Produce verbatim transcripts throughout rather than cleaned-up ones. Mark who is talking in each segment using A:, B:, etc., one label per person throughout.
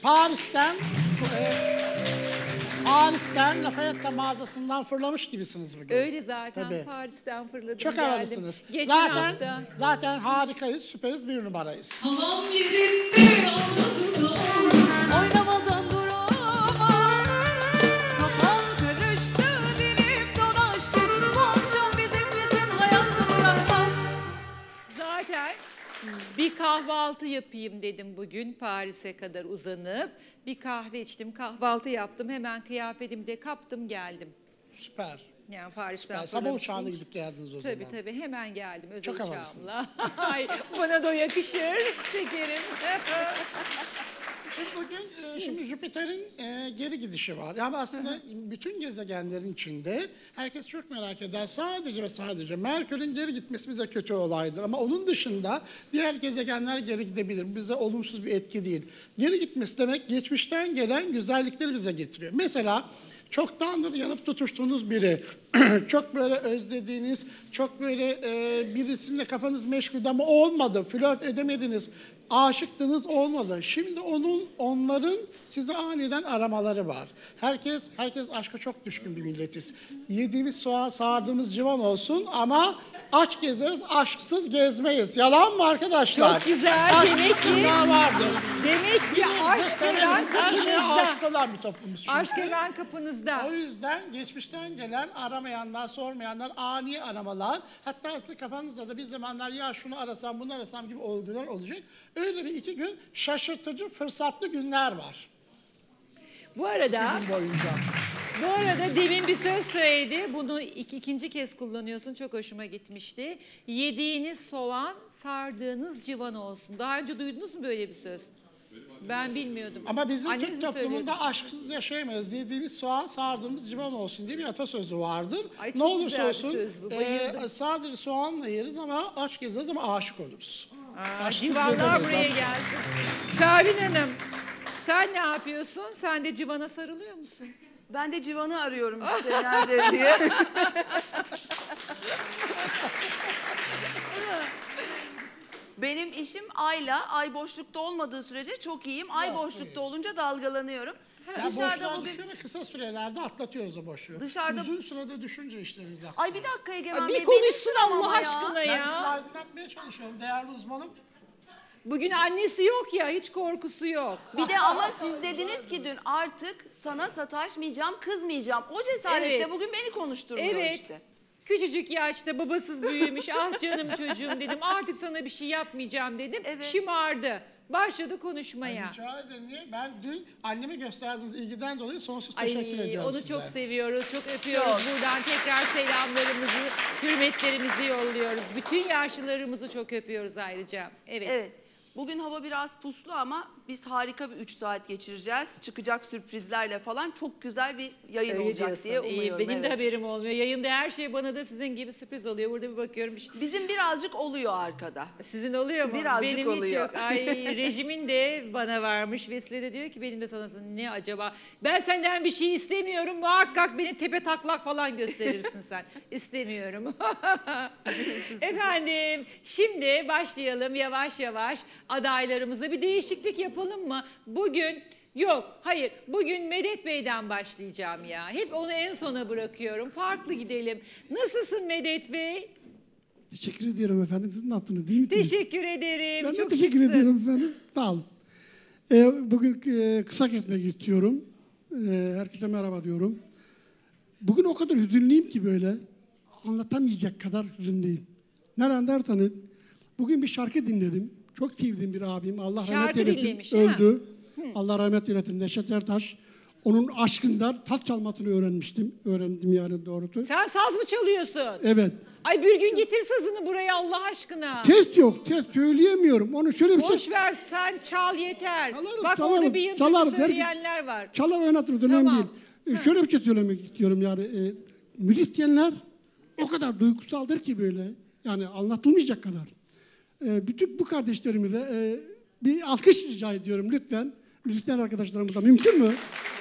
A: Paris'ten e, Paris'ten Lafayette mağazasından fırlamış gibisiniz bugün.
B: Öyle zaten.
A: Tabii.
B: Paris'ten fırladım
A: Çok
B: geldim.
A: havalısınız.
B: Geçen
A: Zaten
B: hafta.
A: zaten harikayız, süperiz, bir numarayız.
C: Tamam yerinde anlatılır. Oynamadan duramam. Kafam karıştı, dilim dolaştı. Bu akşam bizimlesin, hayatta bırakmam.
B: Zaten bir kahvaltı yapayım dedim bugün Paris'e kadar uzanıp. Bir kahve içtim, kahvaltı yaptım. Hemen kıyafetimi de kaptım geldim.
A: Süper.
B: Yani Paris'ten
A: Süper. Sabah
B: fırlamış
A: uçağına
B: değil.
A: gidip geldiniz o
B: Tabii
A: zaman.
B: tabii hemen geldim özel
A: Çok
B: uçağımla.
A: havalısınız.
B: Ay, bana da yakışır şekerim.
A: Şimdi bugün e, şimdi Jüpiter'in e, geri gidişi var. Yani aslında bütün gezegenlerin içinde herkes çok merak eder. Sadece ve sadece Merkür'ün geri gitmesi bize kötü olaydır. Ama onun dışında diğer gezegenler geri gidebilir. Bize olumsuz bir etki değil. Geri gitmesi demek geçmişten gelen güzellikleri bize getiriyor. Mesela çoktandır yanıp tutuştuğunuz biri, çok böyle özlediğiniz, çok böyle e, birisiyle kafanız meşgul ama olmadı, flört edemediniz, aşıktınız olmadı. Şimdi onun, onların sizi aniden aramaları var. Herkes, herkes aşka çok düşkün bir milletiz. Yediğimiz soğan, sardığımız civan olsun ama aç gezeriz, aşksız gezmeyiz. Yalan mı arkadaşlar?
B: Çok güzel,
A: Aşk
B: demek ki-
A: mutluluğa vardır.
B: Demek ki
A: Bize
B: aşk
A: severiz,
B: hemen
A: her şeye
B: kapınızda.
A: aşık olan bir toplumuz çünkü.
B: Aşk hemen kapınızda.
A: O yüzden geçmişten gelen aramayanlar, sormayanlar, ani aramalar, hatta sizin kafanızda da bir zamanlar ya şunu arasam, bunu arasam gibi olgular olacak. Öyle bir iki gün şaşırtıcı, fırsatlı günler var
B: Bu arada,
A: gün boyunca.
B: bu arada demin bir söz söyledi. Bunu ik- ikinci kez kullanıyorsun. Çok hoşuma gitmişti. Yediğiniz soğan, sardığınız civan olsun. Daha önce duydunuz mu böyle bir söz? Ben bilmiyordum.
A: Ama bizim
B: Anneniz
A: Türk
B: mi söylüyordu?
A: toplumunda aşksız yaşayamayız. Yediğimiz soğan, sardığımız civan olsun diye bir atasözü vardır.
B: Ay, çok
A: Ne olursa
B: güzel bir
A: olsun
B: söz bu,
A: e,
B: bayıldım.
A: sadece soğanla yeriz ama aç gezeriz ama aşık oluruz.
B: Aa,
A: Aşksız
B: civanlar
A: gezemeyiz
B: buraya
A: aslında.
B: gelsin. Pervin Hanım, sen ne yapıyorsun? Sen de civana sarılıyor musun?
D: Ben de civanı arıyorum işte nerede diye. Benim işim ayla, ay boşlukta olmadığı sürece çok iyiyim. Ay
A: Yok,
D: boşlukta
A: iyi.
D: olunca dalgalanıyorum.
A: Ya
D: Dışarıda
A: boşluğa
D: bugün...
A: düşüyor ve kısa sürelerde atlatıyoruz o boşluğu.
D: Dışarıda-
A: Uzun sürede düşünce işlerimiz aksıyor.
D: Ay bir dakika Egemen
B: Ay,
D: Bey.
B: bir
D: beni
B: konuşsun
D: sıramama
B: Allah
D: ya.
B: aşkına
A: Ben
B: ya.
A: sizi aydınlatmaya çalışıyorum değerli uzmanım.
B: Bugün annesi yok ya, hiç korkusu yok.
D: Bir de ama siz dediniz ki dün artık sana sataşmayacağım, kızmayacağım. O cesaretle
B: Evet.
D: bugün beni konuşturmuyor
B: Evet.
D: işte.
B: Küçücük yaşta babasız büyümüş. Ah canım çocuğum dedim. Artık sana bir şey yapmayacağım dedim.
D: Evet.
B: Şımardı. Başladı konuşmaya.
A: Rica ederim. Niye? Ben dün anneme gösterdiğiniz ilgiden dolayı sonsuz
B: Ay,
A: teşekkür ediyorum
B: onu
A: size.
B: çok seviyoruz, çok öpüyoruz.
D: Çok.
B: Buradan tekrar selamlarımızı, hürmetlerimizi yolluyoruz. Bütün yaşlılarımızı çok öpüyoruz ayrıca. Evet.
D: Evet. Bugün hava biraz puslu ama biz harika bir üç saat geçireceğiz. Çıkacak sürprizlerle falan çok güzel bir yayın
B: Öyle
D: olacak
B: diyorsun.
D: diye
B: İyi,
D: umuyorum.
B: benim
D: evet.
B: de haberim olmuyor. Yayında her şey bana da sizin gibi sürpriz oluyor. Burada bir bakıyorum. Bir şey-
D: Bizim birazcık oluyor arkada.
B: Sizin oluyor mu?
D: Birazcık
B: benim hiç
D: oluyor.
B: yok. Ay rejimin de bana varmış. Vesile de diyor ki benim de sana ne acaba? Ben senden bir şey istemiyorum. Muhakkak beni tepe taklak falan gösterirsin sen. İstemiyorum. Efendim şimdi başlayalım yavaş yavaş adaylarımıza bir değişiklik yapalım mı? Bugün yok hayır bugün Medet Bey'den başlayacağım ya. Hep onu en sona bırakıyorum. Farklı gidelim. Nasılsın Medet Bey?
E: Teşekkür ediyorum efendim. Sizin hattınız değil mi?
B: Teşekkür ederim.
E: Ben de
B: Çok
E: teşekkür
B: şıksın.
E: ediyorum efendim. Sağ olun. Ee, bugün e, kısa kesmek istiyorum. Ee, herkese merhaba diyorum. Bugün o kadar hüzünlüyüm ki böyle anlatamayacak kadar hüzünlüyüm. Neden derseniz bugün bir şarkı dinledim. Çok sevdiğim bir abim. Allah
B: Şarkı
E: rahmet eylesin.
B: dinlemiş, değil mi?
E: Öldü. Allah rahmet eylesin. Neşet Ertaş. Onun aşkından tat çalmasını öğrenmiştim. Öğrendim yani doğrusu.
B: Sen saz mı çalıyorsun?
E: Evet.
B: Ay bir gün getir sazını buraya Allah aşkına.
E: Ses yok. Ses söyleyemiyorum. Onu şöyle bir şey...
B: Boş ver sen çal yeter.
E: Çalarım,
B: Bak
E: çalarım,
B: orada bir yanında
E: çalarım.
B: söyleyenler var.
E: Çalar oynatırız, önemli
B: Tamam.
E: değil. Ee, şöyle bir şey söylemek istiyorum yani. E, müzisyenler o kadar duygusaldır ki böyle. Yani anlatılmayacak kadar. E, bütün bu kardeşlerimize e, bir alkış rica ediyorum lütfen. Müzisyen arkadaşlarımıza mümkün mü?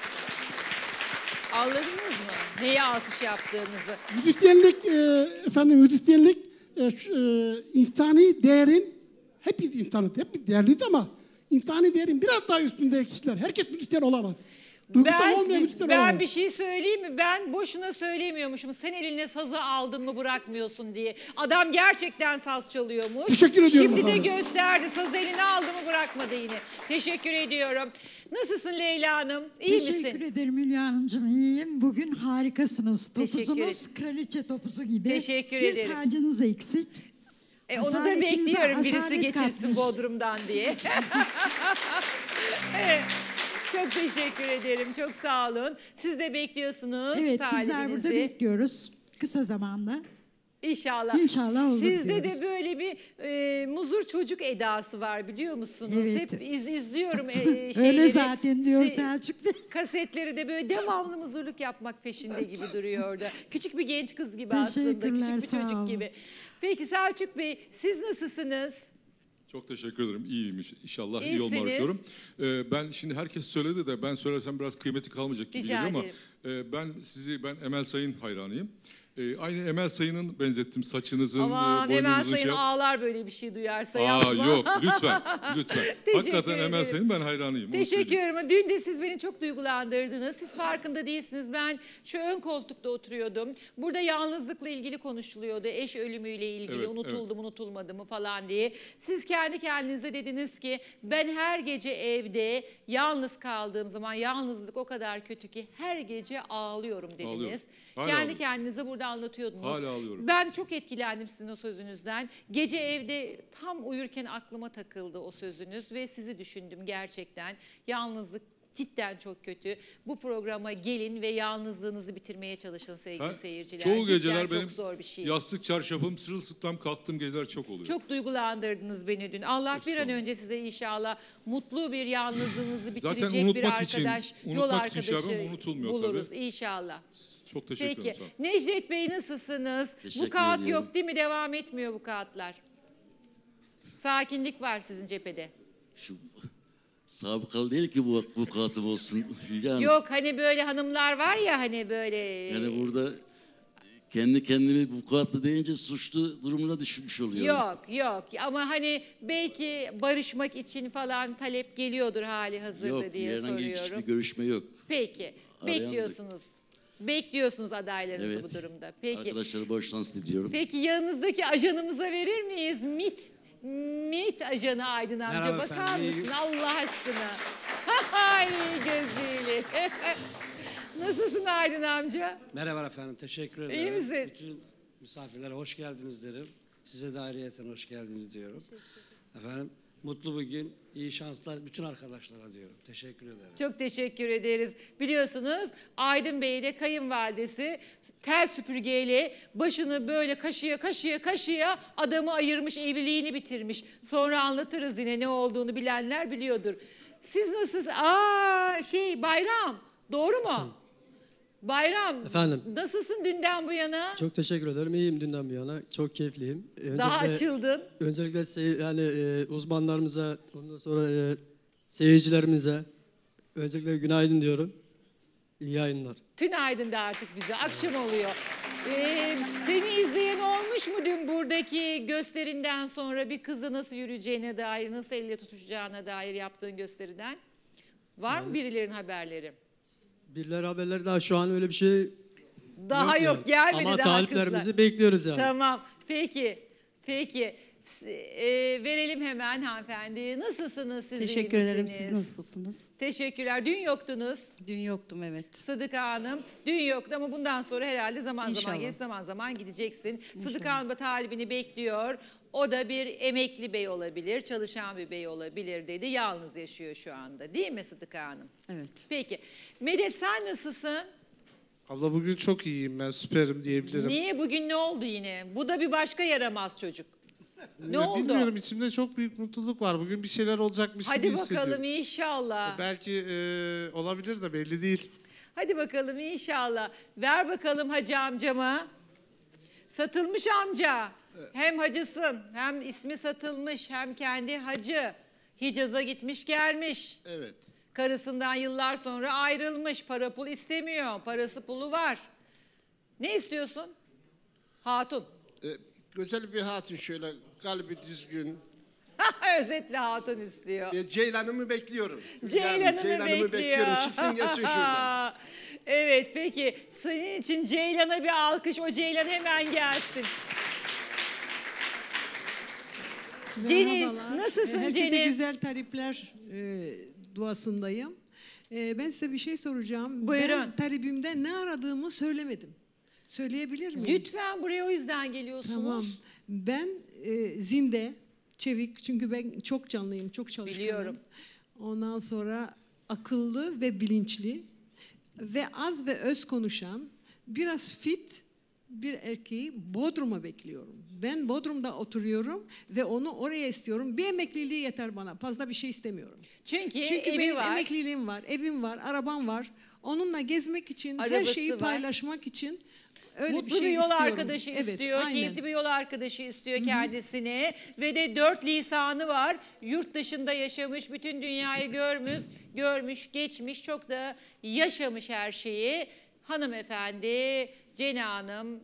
B: Anladınız mı? Neye alkış yaptığınızı.
E: Müzisyenlik, e, efendim müzisyenlik e, şu, e, insani değerin hepimiz insanız, hepimiz değerliyiz ama insani değerin biraz daha üstünde kişiler. Herkes müzisyen olamaz. Duygusal
B: Ben,
E: olmayan müzisyen
B: ben
E: olamaz.
B: bir şey söyleyeyim mi? Ben boşuna söylemiyormuşum. Sen eline sazı aldın mı bırakmıyorsun diye. Adam gerçekten saz çalıyormuş.
E: Teşekkür ediyorum
B: Şimdi de
E: efendim.
B: gösterdi. Sazı eline aldı mı bırakmadı yine. Teşekkür ediyorum. Nasılsın Leyla Hanım? İyi
F: Teşekkür
B: misin?
F: ederim Hülya Hanımcığım. İyiyim. Bugün harikasınız.
B: Teşekkür
F: Topuzunuz kraliçe topuzu gibi.
B: Teşekkür
F: bir
B: ederim.
F: tacınız eksik.
B: E, onu da
F: Asaletinize
B: bekliyorum birisi
F: asalet
B: getirsin
F: katmış.
B: Bodrum'dan diye. Evet. Çok teşekkür ederim. Çok sağ olun. Siz de bekliyorsunuz
F: Evet, bizler burada
B: talibinizi.
F: bekliyoruz. Kısa zamanda.
B: İnşallah.
F: İnşallah olur
B: Sizde
F: diyoruz.
B: de böyle bir e, muzur çocuk edası var biliyor musunuz?
F: Evet.
B: Hep iz, izliyorum e, şeyleri.
F: Öyle zaten diyor
B: Se-
F: Selçuk Bey.
B: Kasetleri de böyle devamlı muzurluk yapmak peşinde gibi duruyor orada. Küçük bir genç kız gibi aslında.
F: Teşekkürler,
B: Küçük bir
F: sağ
B: çocuk
F: olun.
B: gibi. Peki Selçuk Bey siz nasılsınız?
G: Çok teşekkür ederim. İyiyim iş- inşallah. iyi
B: İyisiniz.
G: olma arıyorum. Ee, ben şimdi herkes söyledi de ben söylersem biraz kıymeti kalmayacak gibi
B: Rica
G: geliyor ama
B: ederim.
G: e, ben sizi ben Emel Sayın hayranıyım. E, aynı Emel Sayın'ın benzettim saçınızın,
B: Aman
G: e,
B: Emel
G: boynunuzun
B: Sayın
G: şey.
B: ağlar böyle bir şey duyarsa
G: Aa
B: yapma.
G: yok lütfen lütfen. Hakikaten
B: ederim.
G: Emel Sayın ben hayranıyım. onu
B: Teşekkür
G: söyleyeyim.
B: ederim. Dün de siz beni çok duygulandırdınız. Siz farkında değilsiniz. Ben şu ön koltukta oturuyordum. Burada yalnızlıkla ilgili konuşuluyordu. Eş ölümüyle ilgili
G: Evet,
B: unutuldu mu unutulmadı mı falan diye. Siz kendi kendinize dediniz ki ben her gece evde yalnız kaldığım zaman yalnızlık o kadar kötü ki her gece ağlıyorum dediniz.
G: Ağlıyorum. Hala
B: Kendi
G: ağlıyorum.
B: kendinize burada anlatıyordunuz.
G: Hala ağlıyorum.
B: Ben çok etkilendim sizin o sözünüzden. Gece evde tam uyurken aklıma takıldı o sözünüz ve sizi düşündüm gerçekten. Yalnızlık cidden çok kötü. Bu programa gelin ve yalnızlığınızı bitirmeye çalışın sevgili
G: Ha,
B: seyirciler.
G: çoğu
B: Cidden
G: geceler
B: çok
G: benim
B: zor bir şey.
G: yastık çarşafım sırılsıklam kalktığım geceler çok oluyor.
B: Çok duygulandırdınız beni dün. Allah bir an
G: Estağfurullah.
B: önce size inşallah mutlu bir yalnızlığınızı
G: Zaten
B: bitirecek bir
G: unutmak için-
B: arkadaş, yol
G: unutmak için şey
B: arkadaşı
G: yapıyorum, unutulmuyor
B: buluruz
G: tabii.
B: inşallah.
G: Çok teşekkür
B: Peki
G: ederim. sağ olun.
B: Necdet Bey nasılsınız? Bu
H: Teşekkür
B: kağıt
H: ediyorum.
B: yok değil mi? Devam etmiyor bu kağıtlar. Sakinlik var sizin cephede.
H: Şu sabıkalı değil ki bu vukuatım olsun Hülya Hanım.
B: Yok hani böyle hanımlar var ya hani böyle.
H: Yani burada kendi kendimi vukuatlı deyince suçlu durumuna düşmüş oluyorum.
B: Yok yok ama hani belki barışmak için falan talep geliyordur hali hazırda
H: Yok,
B: diye
H: herhangi
B: soruyorum.
H: hiçbir görüşme yok.
B: Peki
H: Arayan-
B: bekliyorsunuz. Bekliyorsunuz adaylarınızı
H: Evet.
B: bu durumda. Peki.
H: Arkadaşlara boş şans diliyorum.
B: Peki yanınızdaki ajanımıza verir miyiz? MİT MİT ajanı Aydın amca
I: Merhaba
B: bakar
I: efendim, iyi-
B: mısın Allah aşkına? Hay gözlüğüyle. Nasılsın Aydın amca?
I: Merhaba efendim, teşekkür ederim.
B: İyi misin?
I: Bütün misafirlere hoş geldiniz derim. Size de ayrıyeten hoş geldiniz diyorum. Efendim, mutlu bir gün, iyi şanslar bütün arkadaşlara diyorum. Teşekkür ederim.
B: Çok teşekkür ederiz. Biliyorsunuz Aydın Bey ile kayınvalidesi tel süpürgeyle başını böyle kaşıya kaşıya kaşıya adamı ayırmış, evliliğini bitirmiş. Sonra anlatırız yine ne olduğunu bilenler biliyordur. Siz nasılsınız? Aa şey Bayram doğru mu? Bayram
J: Efendim?
B: nasılsın dünden bu yana?
J: Çok teşekkür ederim. İyiyim dünden bu yana. Çok keyifliyim. Öncelikle,
B: Daha açıldın.
J: Öncelikle sey- yani e, uzmanlarımıza, ondan sonra e, seyircilerimize öncelikle günaydın diyorum. İyi yayınlar.
B: Tünaydın da artık bize. Akşam oluyor. Ee, seni izleyen olmuş mu dün buradaki gösterinden sonra bir kızla nasıl yürüyeceğine dair, nasıl elle tutuşacağına dair yaptığın gösteriden? Var mı birilerin haberleri?
J: Birileri haberleri daha şu an öyle bir şey
B: Daha yok,
J: yani.
B: gelmedi
J: Ama
B: daha
J: taliplerimizi
B: kızlar.
J: bekliyoruz yani.
B: Tamam. Peki. Peki. S- e, verelim hemen hanımefendi. Nasılsınız siz? iyi
K: Teşekkür ederim.
B: misiniz?
K: Siz nasılsınız?
B: Teşekkürler. Dün yoktunuz.
K: Dün yoktum evet.
B: Sıdıka Hanım dün yoktu ama bundan sonra herhalde zaman zaman
K: İnşallah.
B: gelip zaman zaman gideceksin. Sıdıka Hanım da talibini bekliyor. O da bir emekli bey olabilir, çalışan bir bey olabilir dedi. Yalnız yaşıyor şu anda değil mi Sıdıka Hanım?
K: Evet.
B: Peki. Medet sen nasılsın?
L: Abla bugün çok iyiyim ben, süperim diyebilirim.
B: Niye bugün ne oldu yine? Bu da bir başka yaramaz çocuk. Ne
L: Ya
B: oldu?
L: Bilmiyorum, içimde çok büyük mutluluk var. Bugün bir şeyler olacakmış
B: Hadi
L: gibi
B: bakalım
L: hissediyorum.
B: inşallah.
L: Belki e, olabilir de belli değil.
B: Hadi bakalım inşallah. Ver bakalım hacı amcama. Satılmış amca. Hem hacısın, hem ismi satılmış, hem kendi hacı. Hicaz'a gitmiş gelmiş.
M: Evet.
B: Karısından yıllar sonra ayrılmış. Para pul istemiyor. Parası pulu var. Ne istiyorsun? Hatun.
M: Ee, güzel bir hatun, şöyle kalbi düzgün,
B: Özetle hatun istiyor.
M: E, Ceylan'ımı bekliyorum.
B: Ceylan'ını
M: Yani Ceylan'ımı
B: bekliyor.
M: bekliyorum. Çıksın gelsin şuradan.
B: Evet peki senin için Ceylan'a bir alkış. O Ceylan hemen gelsin. Cenin
N: Merhabalar.
B: nasılsın
N: Herkese
B: Cenin?
N: güzel talipler e, duasındayım. E, ben size bir şey soracağım.
B: Buyurun.
N: Ben talibimde ne aradığımı söylemedim. Söyleyebilir miyim?
B: Lütfen buraya o yüzden geliyorsunuz.
N: Tamam. Ben e, zinde, çevik çünkü ben çok canlıyım, çok çalışkanım.
B: Biliyorum.
N: Ondan sonra akıllı ve bilinçli ve az ve öz konuşan, biraz fit bir erkeği Bodrum'a bekliyorum. Ben Bodrum'da oturuyorum ve onu oraya istiyorum. Bir emekliliği yeter bana. Fazla bir şey istemiyorum.
B: Çünkü,
N: Çünkü
B: evi
N: benim
B: var.
N: emekliliğim var, evim var, arabam var. Onunla gezmek için, her
B: Arabası
N: şeyi
B: var.
N: paylaşmak için öyle
B: Mutlu
N: bir şey
B: bir yol
N: istiyorum.
B: arkadaşı
N: Evet,
B: istiyor,
N: aynen.
B: keyifli bir yol arkadaşı istiyor kendisine ve de dört lisanı var. Yurt dışında yaşamış, bütün dünyayı görmüş, görmüş, geçmiş, çok da yaşamış her şeyi. Hanımefendi, Cene Hanım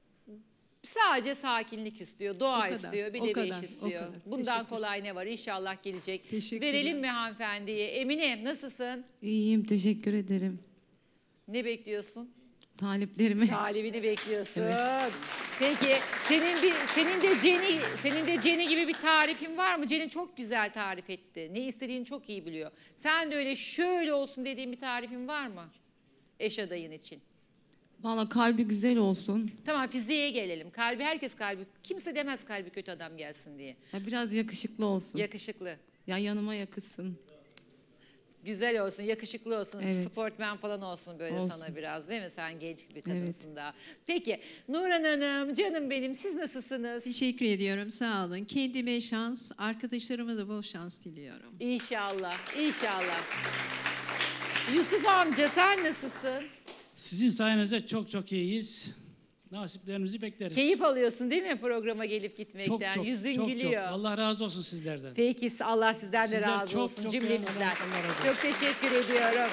B: sadece sakinlik istiyor, doğa
N: O kadar,
B: istiyor, bir
N: o
B: de
N: kadar,
B: bir
N: o
B: iş istiyor.
N: kadar.
B: Bundan
N: Teşekkür.
B: kolay ne var? İnşallah gelecek.
N: Teşekkürler.
B: Verelim mi hanımefendiye? Emine nasılsın?
K: İyiyim, teşekkür ederim.
B: Ne bekliyorsun?
K: Taliplerimi.
B: Talibini bekliyorsun.
K: Evet.
B: Peki senin bir senin de Ceni senin de Ceni gibi bir tarifin var mı? Ceni çok güzel tarif etti. Ne istediğini çok iyi biliyor. Sen de öyle şöyle olsun dediğin bir tarifin var mı? Eş adayın için.
K: Valla kalbi güzel olsun.
B: Tamam fiziğe gelelim. Kalbi herkes kalbi. Kimse demez kalbi kötü adam gelsin diye.
K: Ya biraz yakışıklı olsun.
B: Yakışıklı.
K: Ya yanıma yakışsın.
B: Güzel olsun, yakışıklı olsun,
K: Evet.
B: sportman falan olsun böyle
K: Olsun.
B: sana biraz değil mi? Sen genç bir
K: Evet.
B: kadınsın daha. Peki Nurhan Hanım, canım benim siz nasılsınız?
O: Teşekkür ediyorum, sağ olun. Kendime şans, arkadaşlarıma da bol şans diliyorum.
B: İnşallah, inşallah. Yusuf amca sen nasılsın?
P: Sizin sayenizde çok çok iyiyiz. Nasiplerimizi bekleriz.
B: Keyif alıyorsun değil mi programa gelip gitmekten?
P: Çok çok,
B: Yüzün
P: çok,
B: gülüyor.
P: çok. Allah razı olsun sizlerden.
B: Peki Allah sizden de
P: Sizler
B: razı
P: çok,
B: olsun
P: çok
B: cümlemizden.
P: yani Allah razı olsun.
B: Çok teşekkür ediyorum.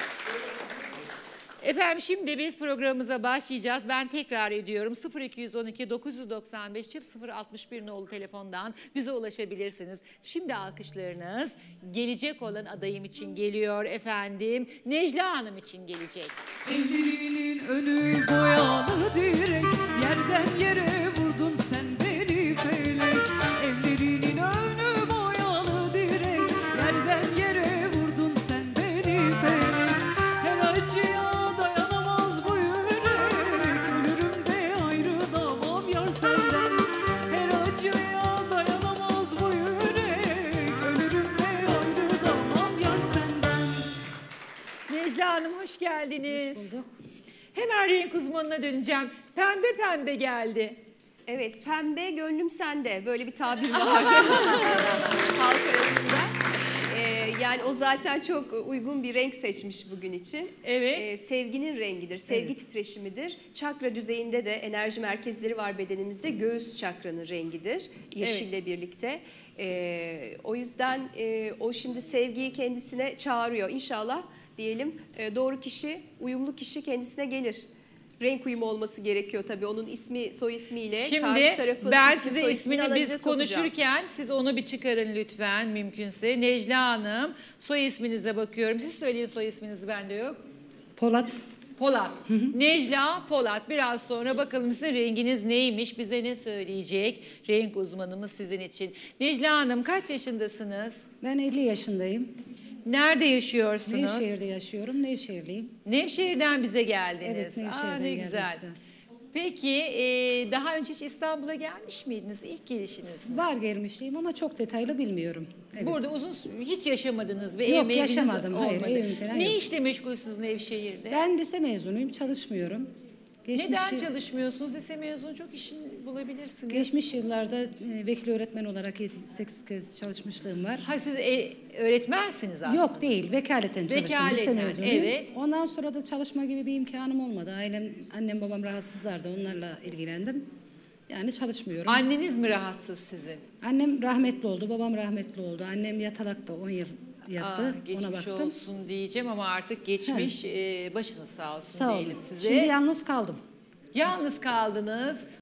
B: Efendim şimdi biz programımıza başlayacağız. Ben tekrar ediyorum sıfır iki on iki dokuz doksan beş sıfır altmış bir nolu telefondan bize ulaşabilirsiniz. Şimdi alkışlarınız gelecek olan adayım için geliyor efendim. Necla Hanım için gelecek.
C: Evlerinin önü boyalı direk, yerden yere vurdun sen beni felek. Evlerinin önü boyalı direk, yerden yere vurdun sen beni felek. Her acıya dayanamaz bu yürek, ölürüm de ayrılamam yar senden. Her acıya dayanamaz bu yürek, ölürüm de ayrılamam yar senden.
B: Necla Hanım hoş geldiniz. Hoş bulduk. Hemen renk uzmanına döneceğim. Pembe pembe geldi.
Q: Evet, pembe gönlüm sende. Böyle bir tabir var halk arasında. Ee, yani o zaten çok uygun bir renk seçmiş bugün için.
B: Evet.
Q: Ee, sevginin rengidir, sevgi
B: Evet.
Q: titreşimidir. Çakra düzeyinde de enerji merkezleri var bedenimizde. Göğüs çakranın rengidir, yeşille birlikte. Ee, o yüzden e, o şimdi sevgiyi kendisine çağırıyor. İnşallah diyelim e, doğru kişi, uyumlu kişi kendisine gelir. Renk uyumu olması gerekiyor tabii. Onun ismi, soy ismiyle karşı
B: Şimdi
Q: tarafın
B: ben
Q: ismi,
B: size
Q: soy
B: ismini
Q: analize
B: biz
Q: sokacağım.
B: konuşurken siz onu bir çıkarın lütfen mümkünse. Necla Hanım soy isminize bakıyorum. Siz söyleyin soy isminizi bende yok.
F: Polat.
B: Polat. Necla Polat. Biraz sonra bakalım sizin renginiz neymiş, bize ne söyleyecek renk uzmanımız sizin için. Necla Hanım kaç yaşındasınız?
R: Ben elli yaşındayım.
B: Nerede yaşıyorsunuz?
R: Nevşehir'de yaşıyorum. Nevşehirliyim.
B: Nevşehir'den bize geldiniz.
R: Evet,
B: Aa,
R: Nevşehir'den
B: ne
R: geldim
B: güzel.
R: size.
B: Peki e, daha önce hiç İstanbul'a gelmiş miydiniz? İlk gelişiniz mi?
R: Var gelmişliğim ama çok detaylı bilmiyorum. Evet.
B: Burada uzun hiç yaşamadınız bir
R: Yok,
B: ev mevkiniz
R: yaşamadım. Hayır,
B: olmadı.
R: evim falan
B: Ne
R: yok.
B: işle meşgulsünüz Nevşehir'de?
R: Ben lise mezunuyum, çalışmıyorum.
B: Neden çalışmıyorsunuz? Lise mezunu çok işin bulabilirsiniz.
R: Geçmiş yıllarda e, vekil öğretmen olarak yedi sekiz kez çalışmışlığım var.
B: Ha siz e, öğretmensiniz aslında.
R: Yok değil, vekaleten çalıştım. Lise
B: Vekaleten,
R: mezunuyum.
B: evet.
R: Ondan sonra da çalışma gibi bir imkanım olmadı. Ailem, annem babam rahatsızlardı, onlarla ilgilendim. Yani çalışmıyorum.
B: Anneniz mi rahatsız sizin?
R: Annem rahmetli oldu, babam rahmetli oldu. Annem yatalakta on yıl yattı,
B: Ah, geçmiş
R: ona baktım.
B: olsun diyeceğim ama artık geçmiş. E, başınız sağ olsun
R: Sağ
B: diyelim
R: olun.
B: size.
R: Şimdi yalnız kaldım.
B: Yalnız kaldınız.